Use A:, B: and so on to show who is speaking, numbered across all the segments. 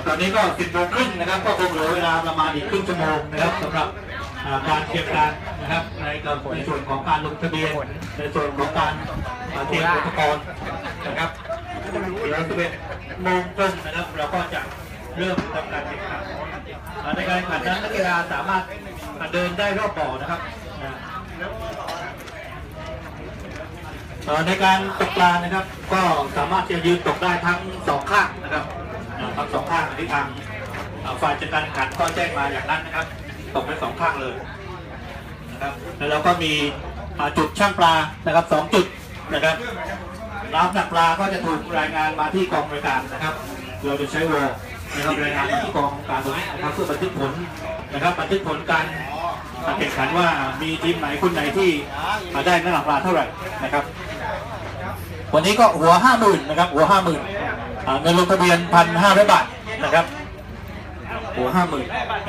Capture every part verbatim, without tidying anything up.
A: ตอนนี้ก็สิบโมงครึ่งนะครับก็คงเหลือเวลาประมาณอีกครึ่งชั่วโมงนะครับสำหรับการเตรียมการนะครับในในส่วนของการลงทะเบียนในส่วนของการเตรียมอุปกรณ์นะครับเดี๋ยวสิบเอ็ดโมงครึ่งนะครับเราก็จะเริ่มทำการแข่งขันในการแข่งขันนั้นนักกีฬาสามารถเดินได้รอบบ่อนะครับในการตกปลานะครับก็สามารถจะยืนตกได้ทั้งสองข้างนะครับทั้งสองข้างที่ทางฝ่ายจัดการแข่งขันก็แจ้งมาอย่างนั้นนะครับตกได้สองข้างเลยนะครับแล้วเราก็มีจุดช่างปลานะครับสองจุดนะครับน้ำหนักปลาก็จะถูกรายงานมาที่กองบริการนะครับเราจะใช้วอลนะครับรายงานมาที่กองการตรงนี้นะครับเพื่อบันทึกผลนะครับบันทึกผลการแข่งขันว่ามีทีมไหนคนไหนที่ได้น้ำหนักปลาเท่าไหร่นะครับวันนี้ก็หัวห้าหมื่นนะครับหัวห้าหมื่นเงินลงทะเบียนพันห้าร้อยบาทนะครับหัวห้าหมื่น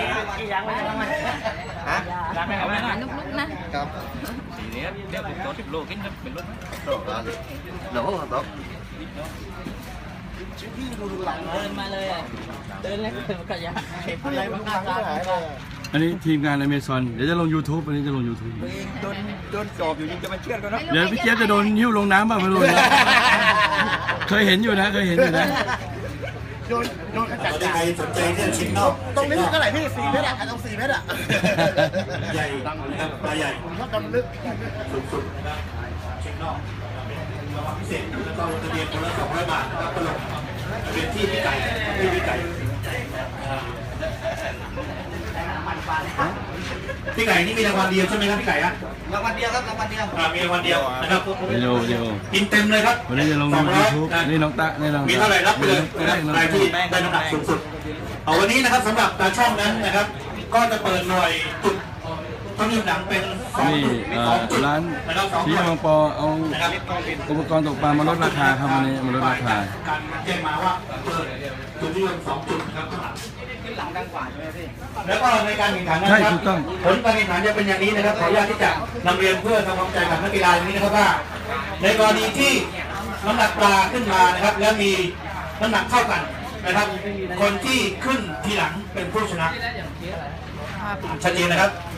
B: ฮะ
C: ลุกๆนะครับ
B: สีนี้เดี๋ยวผมโตสิบโลกินเป็นรถโลโลครับผม
C: เดินมาเลยเดินเลยกระยาเห็นอะไรบ้างครับ
D: อันนี้ทีมงานอเมซอนเดี๋ยวจะลง YouTube อันนี้จะลง YouTube
B: โดนโดนจอบอยู่ยังจะมาเชื่อกันนะ
D: เดี๋ยวพี่เจี๊ยบจะโดนหิ้วลงน้ำบ้างไม่รู้นะเคยเห็นอยู่นะเคยเห็นอยู่นะ
A: โดนโดนขจัดใครสนใจเนี่ยชิ้นนอก
B: ตรงนี้เท่าไหร่พี่สี่เมตรอ่ะตรงสี่เมตรอ่ะ
A: ใหญ่นะครับปลาใหญ่
B: ชอบดำลึก
A: สุดๆนะครับชิ้นนอกรางวัลพิเศษแล้วก็ลงทะเบียนคนละสองร้อยบาทนะครับก็ลงทะเบียนที่พี่ไก่ที่พี่ไก่พี่ไก่นี่มีรางวัลเดียวใช่ไหมครับพี่ไก่ฮะ
B: รางวัลเดียวครับรางวัลเดียว
A: มีรางวัลเดียวนะครับ
D: เดียวเดียว
A: กินเต็มเลยครับ
D: วันนี้จะลง YouTube นี่น้องตะนี่น้อง
A: มีเท่าไหร่รับไปเลยนะครับรายที่ได้น้ำหนักสูงสุดเอาวันนี้นะครับสำหรับตาช่องนั้นนะครับก็จะเปิดหน่วยจุดต้องมีหนังเป็นสองจุดสองจุด
D: ร้านที่บางปอเอาอุปกรณ์ตกปลามาลดราคาครับวันนี้มาลดราคา
A: การแจ้งมาว่าเปิดจุดที่สองจุดนะครับข้างหลัง
B: หลังดังกว่าใช่ไหมพี่
A: แล้วก็ในการแข่งขันนะครับผลการแข่งขันจะเป็นอย่างนี้นะครับขออนุญาตที่จะนำเรียนเพื่อทำความเข้าใจกับนักกีฬาอย่างนี้นะครับว่าในกรณีที่น้ำหนักปลาขึ้นมานะครับแล้วมีน้ำหนักเท่ากันนะครับคนที่ขึ้นทีหลังเป็นผู้ชนะชัดเจนนะครับ